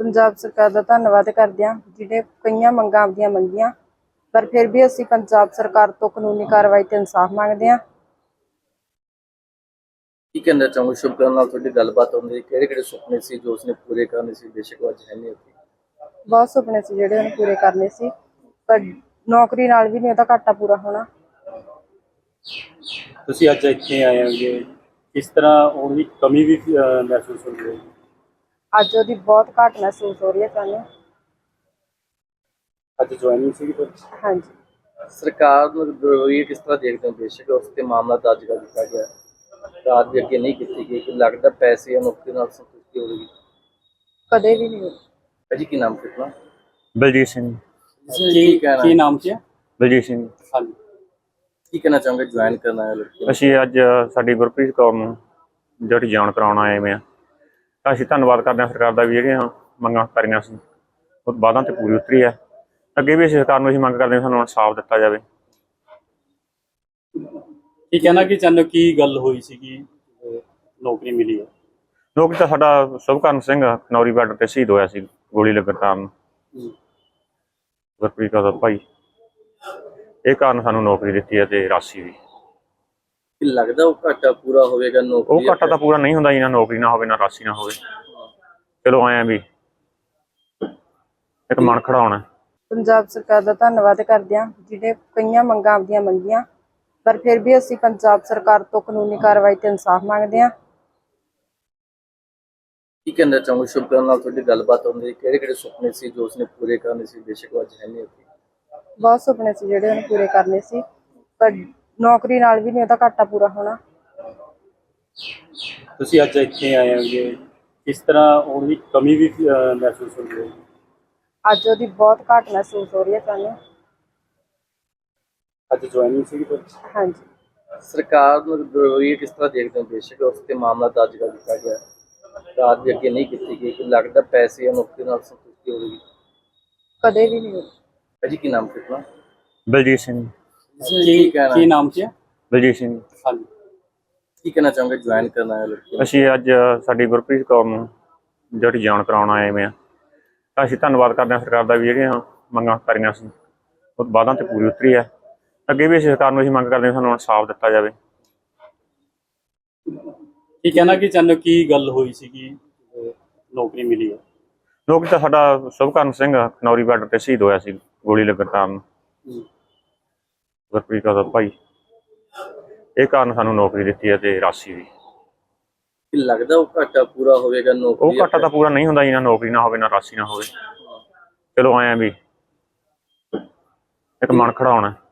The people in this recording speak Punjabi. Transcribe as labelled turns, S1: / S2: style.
S1: ਪੰਜਾਬ ਸਰਕਾਰ ਦਾ ਧੰਨਵਾਦ ਕਰਦੇ ਹਾਂ ਜਿਹੜੇ ਕਈਆਂ ਮੰਗਾਂ ਆਪਦੀਆਂ ਮੰਗੀਆਂ, ਪਰ ਫਿਰ ਵੀ ਅਸੀਂ ਪੰਜਾਬ ਸਰਕਾਰ ਤੋਂ ਕਾਨੂੰਨੀ ਕਾਰਵਾਈ ਤੇ ਇਨਸਾਫ ਮੰਗਦੇ ਹਾਂ।
S2: ਕੀ ਕਹਿਣਾ ਚਾਹੋਗੇ? ਸ਼ੁਭਕਰਨ ਨਾਲ ਤੁਹਾਡੀ ਗੱਲਬਾਤ ਹੁੰਦੀ, ਕਿਹੜੇ ਸੁਪਨੇ ਸੀ ਜੋ ਉਸਨੇ ਪੂਰੇ ਕਰਨੇ ਸੀ, ਬੇਸ਼ੱਕ ਉਹ ਅੱਜ ਹੈ ਨਹੀਂ ਉੱਥੇ?
S1: ਬਹੁਤ ਸੁਪਨੇ ਸੀ ਜਿਹੜੇ ਉਹਨੇ ਪੂਰੇ ਕਰਨੇ ਸੀ, ਪਰ ਨੌਕਰੀ ਨਾਲ ਵੀ ਨਹੀਂ ਉਹਦਾ ਘਾਟਾ ਪੂਰਾ ਹੋਣਾ।
S3: ਤੁਸੀਂ ਅੱਜ ਇੱਥੇ ਆਏ ਹੋਗੇ, ਕਿਸ ਤਰ੍ਹਾਂ ਉਹਦੀ ਕਮੀ ਵੀ ਮਹਿਸੂਸ ਹੋ ਰਹੀ ਹੈ?
S1: ਅੱਜ ਉਹਦੀ ਬਹੁਤ ਘਾਟ ਮਹਿਸੂਸ ਹੋ ਰਹੀ ਹੈ ਸਾਨੂੰ।
S3: ਅੱਜ ਜੁਆਇਨਿੰਗ ਸੀ ਫਿਰ?
S1: ਹਾਂਜੀ।
S2: ਸਰਕਾਰ ਨੂੰ ਰਵੱਈਆ ਕਿਸ ਤਰ੍ਹਾਂ ਦੇਖਦੇ ਹੋ? ਬੇਸ਼ੱਕ ਉਸ ਤੇ ਮਾਮਲਾ ਦਰਜ ਕਰ ਦਿੱਤਾ ਗਿਆ, ਰਾਤ ਦੇ ਅੱਗੇ ਨਹੀਂ ਕੀਤੀ ਗਈ, ਕਿ ਲੱਗਦਾ ਪੈਸੇ ਜਾਂ ਨੌਕਰੀ ਨਾਲ ਸੰਤੁਸ਼ਟੀ ਹੋਵੇਗੀ?
S1: ਕਦੇ ਵੀ ਨਹੀਂ ਹੋਈ।
S2: ਭਾਜੀ ਕੀ ਨਾਮ ਕਿਤਨਾ?
S4: ਬਲਜੀਤ ਸਿੰਘ।
S3: ਕੀ ਨਾਮ ਸੀ?
S4: ਬਲਜੀਤ ਸਿੰਘ।
S3: ਹਾਂਜੀ।
S2: ਕੀ ਕਹਿਣਾ ਚਾਹੋਗੇ ਜੁਆਇਨ ਕਰਨਾ ਹੈ ਲੜਕੀ ਨੂੰ?
S4: ਅਸੀਂ ਅੱਜ ਸਾਡੀ ਗੁਰਪ੍ਰੀਤ ਕੌਰ ਨੂੰ ਜਿਹੜੀ ਜਾਣ ਕਰਾਉਣ ਆਏ ਹੋਏ ਹਾਂ, ਤਾਂ ਅਸੀਂ ਧੰਨਵਾਦ ਕਰਦੇ ਹਾਂ ਸਰਕਾਰ ਦਾ ਵੀ ਜਿਹੜੀਆਂ ਮੰਗਾਂ ਕਰੀਆਂ ਸੀ ਉਹ ਵਾਅਦਾ 'ਤੇ ਪੂਰੀ ਉਤਰੀ ਹੈ। ਅੱਗੇ ਵੀ ਅਸੀਂ ਸਰਕਾਰ ਨੂੰ ਅਸੀਂ ਮੰਗ ਕਰਦੇ ਹਾਂ ਸਾਨੂੰ ਇਨਸਾਫ ਦਿੱਤਾ ਜਾਵੇ।
S3: ਕੀ ਕਹਿਣਾ ਕਿ ਚਾਹੁੰਦੇ ਹੋ, ਕੀ ਗੱਲ ਹੋਈ ਸੀ ਕਿ ਨੌਕਰੀ ਮਿਲੀ ਹੈ?
S4: ਨੌਕਰੀ ਤਾਂ ਸਾਡਾ ਸ਼ੁਭਕਰਨ ਸਿੰਘ ਖਨੌਰੀ ਬਾਰਡਰ 'ਤੇ ਸ਼ਹੀਦ ਹੋਇਆ ਸੀ ਗੋਲੀ ਲੱਗਣ ਕਾਰਨ, ਗੁਰਪ੍ਰੀਤ ਕੌਰ ਦਾ ਭਾਈ। ਇਹ ਕਾਰਨ ਸਾਨੂੰ ਨੌਕਰੀ ਦਿੱਤੀ ਹੈ ਤੇ ਰਾਸ਼ੀ ਵੀ।
S2: ਕੀ ਲੱਗਦਾ ਉਹ ਘਾਟਾ ਪੂਰਾ ਹੋਵੇਗਾ? ਨੌਕਰੀ
S4: ਉਹ ਘਾਟਾ ਤਾਂ ਪੂਰਾ ਨਹੀਂ ਹੁੰਦਾ ਜੀ, ਨਾ ਨੌਕਰੀ ਨਾ ਹੋਵੇ ਨਾ ਰਾਸ਼ੀ ਨਾ ਹੋਵੇ। ਚਲੋ ਆਏ ਵੀ ਇੱਕ ਮਨ ਖੜਾ ਹੋਣਾ।
S1: ਪੰਜਾਬ ਸਰਕਾਰ ਦਾ ਧੰਨਵਾਦ ਕਰਦੇ ਹਾਂ ਜਿਹੜੇ ਕਈਆਂ ਮੰਗਾਂ ਆਪਦੀਆਂ ਮੰਗੀਆਂ, ਪਰ ਫਿਰ ਵੀ ਅਸੀਂ ਪੰਜਾਬ ਸਰਕਾਰ ਤੋਂ ਕਾਨੂੰਨੀ ਕਾਰਵਾਈ ਤੇ ਇਨਸਾਫ ਮੰਗਦੇ ਹਾਂ।
S2: ਕੀ ਕਹਿਣਾ ਚਾਹੋਗੇ? ਸ਼ੁਭਕਰਨ ਨਾਲ ਤੁਹਾਡੀ ਗੱਲਬਾਤ ਹੁੰਦੀ, ਕਿਹੜੇ ਸੁਪਨੇ ਸੀ ਜੋ ਉਸਨੇ ਪੂਰੇ ਕਰਨੇ ਸੀ, ਬੇਸ਼ੱਕ ਉਹ ਅੱਜ ਹੈ ਨਹੀਂ ਉੱਥੇ?
S1: ਬਹੁਤ ਸੁਪਨੇ ਸੀ ਜਿਹੜੇ ਉਹਨੇ ਪੂਰੇ ਕਰਨੇ ਸੀ, ਪਰ ਨੌਕਰੀ ਨਾਲ ਵੀ ਨਹੀਂ ਉਹਦਾ ਘਾਟਾ ਪੂਰਾ ਹੋਣਾ।
S3: ਤੁਸੀਂ ਅੱਜ ਇੱਥੇ ਆਏ ਹੋਗੇ, ਕਿਸ ਤਰ੍ਹਾਂ ਉਹਦੀ ਕਮੀ ਵੀ ਮਹਿਸੂਸ ਹੋ ਰਹੀ ਹੈ?
S1: ਅੱਜ ਉਹਦੀ ਬਹੁਤ ਘਾਟ ਮਹਿਸੂਸ ਹੋ ਰਹੀ ਹੈ ਸਾਨੂੰ।
S3: ਅੱਜ ਜੁਆਇਨਿੰਗ ਸੀ ਫਿਰ?
S1: ਹਾਂਜੀ।
S2: ਸਰਕਾਰ ਨੂੰ ਰਵੱਈਆ ਕਿਸ ਤਰ੍ਹਾਂ ਦੇਖਦੇ ਹੋ? ਬੇਸ਼ੱਕ ਉਸ ਤੇ ਮਾਮਲਾ ਦਰਜ ਕਰ ਦਿੱਤਾ ਗਿਆ, ਰਾਤ ਦੇ ਅੱਗੇ ਨਹੀਂ ਕੀਤੀ ਗਈ, ਕਿ ਲੱਗਦਾ ਪੈਸੇ ਜਾਂ ਨੌਕਰੀ ਨਾਲ ਸੰਤੁਸ਼ਟੀ ਹੋਵੇਗੀ?
S1: ਕਦੇ ਵੀ ਨਹੀਂ ਹੋਈ।
S2: ਭਾਜੀ ਕੀ ਨਾਮ ਕਿਤਨਾ?
S4: ਬਲਜੀਤ ਸਿੰਘ।
S3: ਕੀ ਨਾਮ ਸੀ?
S4: ਬਲਜੀਤ ਸਿੰਘ।
S3: ਹਾਂਜੀ।
S2: ਕੀ ਕਹਿਣਾ ਚਾਹੋਗੇ ਜੁਆਇਨ ਕਰਨਾ ਹੈ ਲੜਕੀ ਨੂੰ?
S4: ਅਸੀਂ ਅੱਜ ਸਾਡੀ ਗੁਰਪ੍ਰੀਤ ਕੌਰ ਨੂੰ ਜਿਹੜੀ ਜਾਣ ਕਰਾਉਣ ਆਏ ਹੋਏ ਹਾਂ, ਤਾਂ ਅਸੀਂ ਧੰਨਵਾਦ ਕਰਦੇ ਹਾਂ ਸਰਕਾਰ ਦਾ ਵੀ ਜਿਹੜੀਆਂ ਮੰਗਾਂ ਕਰੀਆਂ ਸੀ ਉਹ ਵਾਅਦਾ 'ਤੇ ਪੂਰੀ ਉਤਰੀ ਹੈ। ਅੱਗੇ ਵੀ ਅਸੀਂ ਸਰਕਾਰ ਨੂੰ ਅਸੀਂ ਮੰਗ ਕਰਦੇ ਹਾਂ ਸਾਨੂੰ ਇਨਸਾਫ ਦਿੱਤਾ ਜਾਵੇ।
S3: ਕੀ ਕਹਿਣਾ ਕਿ ਚਾਹੁੰਦੇ ਹੋ, ਕੀ ਗੱਲ ਹੋਈ ਸੀ ਕਿ ਨੌਕਰੀ ਮਿਲੀ ਹੈ?
S4: ਨੌਕਰੀ ਤਾਂ ਸਾਡਾ ਸ਼ੁਭਕਰਨ ਸਿੰਘ ਖਨੌਰੀ ਬਾਰਡਰ 'ਤੇ ਸ਼ਹੀਦ ਹੋਇਆ ਸੀ ਗੋਲੀ ਲੱਗਣ ਕਾਰਨ, ਗੁਰਪ੍ਰੀਤ ਕੌਰ ਦਾ ਭਾਈ। ਇਹ ਕਾਰਨ ਸਾਨੂੰ ਨੌਕਰੀ ਦਿੱਤੀ ਹੈ ਤੇ ਰਾਸ਼ੀ ਵੀ।
S2: ਕੀ ਲੱਗਦਾ ਉਹ ਘਾਟਾ ਪੂਰਾ ਹੋਵੇਗਾ?
S4: ਉਹ
S2: ਨੌਕਰੀ
S4: ਘਾਟਾ ਤਾਂ ਪੂਰਾ ਨਹੀਂ ਹੁੰਦਾ ਜੀ, ਨਾ ਨੌਕਰੀ ਨਾ ਹੋਵੇ ਨਾ ਰਾਸ਼ੀ ਨਾ ਹੋਵੇ। ਚਲੋ ਆਏ ਵੀ ਇੱਕ ਮਨ ਖੜਾ ਹੋਣਾ।